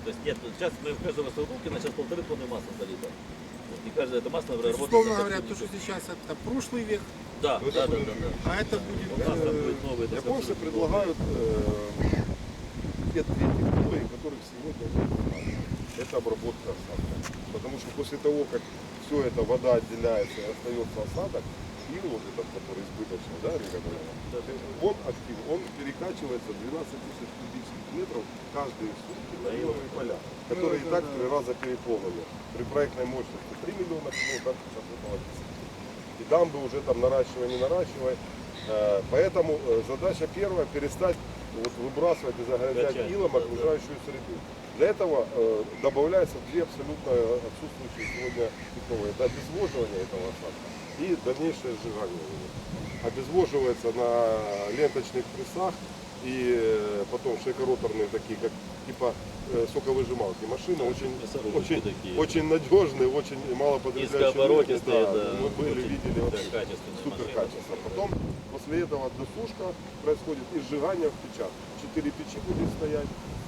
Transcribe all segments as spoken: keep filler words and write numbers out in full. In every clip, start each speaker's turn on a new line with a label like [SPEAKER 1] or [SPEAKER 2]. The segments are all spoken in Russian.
[SPEAKER 1] То есть нет, сейчас мы в каждого Саудовкина сейчас полторы тонны масла залито. Вот, и каждое это масло
[SPEAKER 2] То есть,
[SPEAKER 1] работает.
[SPEAKER 2] условно
[SPEAKER 1] на
[SPEAKER 2] говоря, то,
[SPEAKER 1] картиннике.
[SPEAKER 2] что сейчас это прошлый век,
[SPEAKER 1] Да,
[SPEAKER 3] Ну,
[SPEAKER 1] да,
[SPEAKER 3] это
[SPEAKER 1] да,
[SPEAKER 3] будет
[SPEAKER 1] да, да.
[SPEAKER 2] а это будет...
[SPEAKER 1] У нас там будет
[SPEAKER 2] э,
[SPEAKER 1] новый. это
[SPEAKER 3] Японцы
[SPEAKER 1] абсолютно
[SPEAKER 3] предлагают э, те две технологии, которых сегодня нет у нас. Это обработка осадка. Потому что после того, как все это вода отделяется и остается осадок, ил вот этот, который избыточный, да, или как это, он актив, он перекачивается двенадцать тысяч кубических метров каждые сутки на иловые поля, которые и так в три раза переполнены. При проектной мощности три миллиона кило, там сейчас около десяти. И дамбы уже там наращивай, не наращивай. Э, Поэтому э, задача первая перестать вот, выбрасывать и загрязнять
[SPEAKER 1] Качать,
[SPEAKER 3] илом
[SPEAKER 1] да,
[SPEAKER 3] окружающую среду. Для этого э, добавляются две абсолютно отсутствующие сегодня технологии. Это обезвоживание этого осадка и дальнейшее сжигание его. Обезвоживается на ленточных прессах и э, потом шейкороторные такие, как типа э, соковыжималки машины, очень,
[SPEAKER 1] мясорубки
[SPEAKER 3] очень,
[SPEAKER 1] такие.
[SPEAKER 3] очень надежные, очень мало потребляющие.
[SPEAKER 1] Низкооборотистые,
[SPEAKER 3] энергии.
[SPEAKER 1] да,
[SPEAKER 3] Мы были,
[SPEAKER 1] очень,
[SPEAKER 3] видели
[SPEAKER 1] да,
[SPEAKER 3] вообще
[SPEAKER 1] качественные
[SPEAKER 3] супер
[SPEAKER 1] машины.
[SPEAKER 3] качество. Потом после этого досушка происходит и сжигание в печах. Четыре печи будет стоять,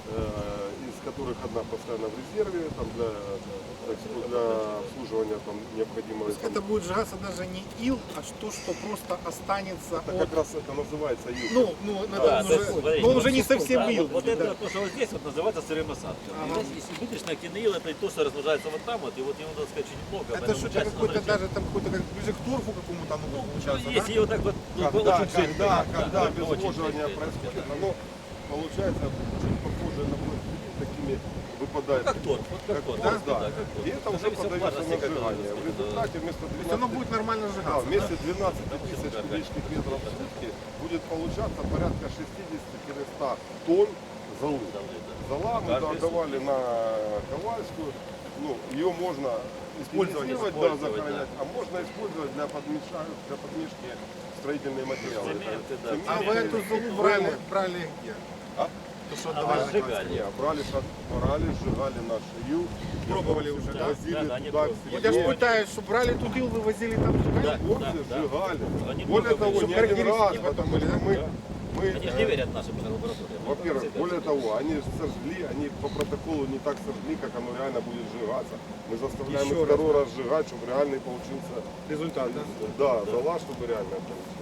[SPEAKER 3] э, из которых одна постоянно в резерве, там для, так сказать, для обслуживания там, необходимого.
[SPEAKER 2] То есть это будет сжигаться даже не ил, а то, что просто останется
[SPEAKER 3] Это
[SPEAKER 2] от...
[SPEAKER 3] как раз это называется ил.
[SPEAKER 2] Ну, ну,
[SPEAKER 1] Да,
[SPEAKER 2] это
[SPEAKER 1] то
[SPEAKER 2] уже,
[SPEAKER 1] есть, смотрите,
[SPEAKER 2] но
[SPEAKER 1] вот
[SPEAKER 2] уже не
[SPEAKER 1] сухой,
[SPEAKER 2] совсем
[SPEAKER 1] да,
[SPEAKER 2] ил.
[SPEAKER 1] Вот, вот
[SPEAKER 2] будет,
[SPEAKER 1] это
[SPEAKER 2] да.
[SPEAKER 1] то, что вот здесь вот называется сырым осадком.
[SPEAKER 2] Ага.
[SPEAKER 1] И здесь, если избыточный активный ил, это то, что размножается вот там вот, и вот ему, надо сказать, очень много.
[SPEAKER 2] Это
[SPEAKER 1] поэтому
[SPEAKER 2] что-то
[SPEAKER 1] часть
[SPEAKER 2] какой-то
[SPEAKER 1] оно
[SPEAKER 2] даже там какой-то как ближе к торфу какому-то оно будет
[SPEAKER 1] Ну,
[SPEAKER 2] получаться,
[SPEAKER 1] если
[SPEAKER 2] да?
[SPEAKER 1] его так вот, ну,
[SPEAKER 3] Когда,
[SPEAKER 1] очень жидкое,
[SPEAKER 3] когда,
[SPEAKER 1] да,
[SPEAKER 3] когда
[SPEAKER 1] да, очень
[SPEAKER 3] обезвоживание
[SPEAKER 1] жидкое,
[SPEAKER 3] происходит,
[SPEAKER 1] да.
[SPEAKER 3] оно получается очень похоже на пластилин, такими выпадает.
[SPEAKER 1] Как торф, вот как торф,
[SPEAKER 3] торф,
[SPEAKER 1] да,
[SPEAKER 3] да.
[SPEAKER 1] как торф.
[SPEAKER 3] И это
[SPEAKER 1] В
[SPEAKER 3] уже
[SPEAKER 1] зависимости от
[SPEAKER 3] подается на
[SPEAKER 1] влажности, как
[SPEAKER 3] сжигание.
[SPEAKER 1] это
[SPEAKER 3] В результате вместо
[SPEAKER 2] То есть оно
[SPEAKER 3] двенадцати
[SPEAKER 2] будет нормально
[SPEAKER 3] да,
[SPEAKER 2] сжигаться, да?
[SPEAKER 3] вместе двенадцати тысяч кубических метров в сутки будет получаться порядка шестидесяти-ста тонн золы.
[SPEAKER 1] Золы, да.
[SPEAKER 3] Зола мы
[SPEAKER 1] Каждые
[SPEAKER 3] отдавали на Ковальскую. Ну, ее можно
[SPEAKER 1] Использовать,
[SPEAKER 3] использовать, да,
[SPEAKER 1] использовать,
[SPEAKER 3] захоронять,
[SPEAKER 1] да.
[SPEAKER 3] а можно использовать для, подмеша... для подмешки строительные материалы.
[SPEAKER 1] Цементы,
[SPEAKER 3] Это
[SPEAKER 1] да.
[SPEAKER 3] цемент,
[SPEAKER 2] А вы эту золу брали, брали где?
[SPEAKER 3] А?
[SPEAKER 2] То, что
[SPEAKER 1] А
[SPEAKER 2] отдавали
[SPEAKER 1] вы
[SPEAKER 2] на
[SPEAKER 1] сжигали?
[SPEAKER 3] Не, брали, шаг- брали, сжигали наш ил.
[SPEAKER 2] Пробовали уже, да?
[SPEAKER 3] Возили
[SPEAKER 1] Да, да, они
[SPEAKER 3] туда, к
[SPEAKER 1] пробовали.
[SPEAKER 2] Вот я же
[SPEAKER 3] себе.
[SPEAKER 2] пытаюсь, что брали тут ил, вывозили там
[SPEAKER 1] Да,
[SPEAKER 2] сжигали.
[SPEAKER 3] Хлопцы
[SPEAKER 1] да, да.
[SPEAKER 3] сжигали.
[SPEAKER 1] Они
[SPEAKER 3] Более
[SPEAKER 1] много
[SPEAKER 3] того,
[SPEAKER 1] были.
[SPEAKER 3] не один раз,
[SPEAKER 2] Характеристики потом
[SPEAKER 3] потому
[SPEAKER 2] были,
[SPEAKER 3] что
[SPEAKER 2] да?
[SPEAKER 3] мы,
[SPEAKER 1] Да.
[SPEAKER 3] мы
[SPEAKER 1] Они же
[SPEAKER 3] э,
[SPEAKER 1] не верят нашим лабораториям.
[SPEAKER 3] во-первых,
[SPEAKER 1] Всегда
[SPEAKER 3] более
[SPEAKER 1] всегда.
[SPEAKER 3] того, они сожгли, они по протоколу не так сожгли, как оно реально будет сжигаться. Мы заставляем
[SPEAKER 2] Еще
[SPEAKER 3] их
[SPEAKER 2] раз,
[SPEAKER 3] второй раз сжигать, чтобы реальный получился,
[SPEAKER 2] Результат, да?
[SPEAKER 3] да, зола, чтобы реально получился.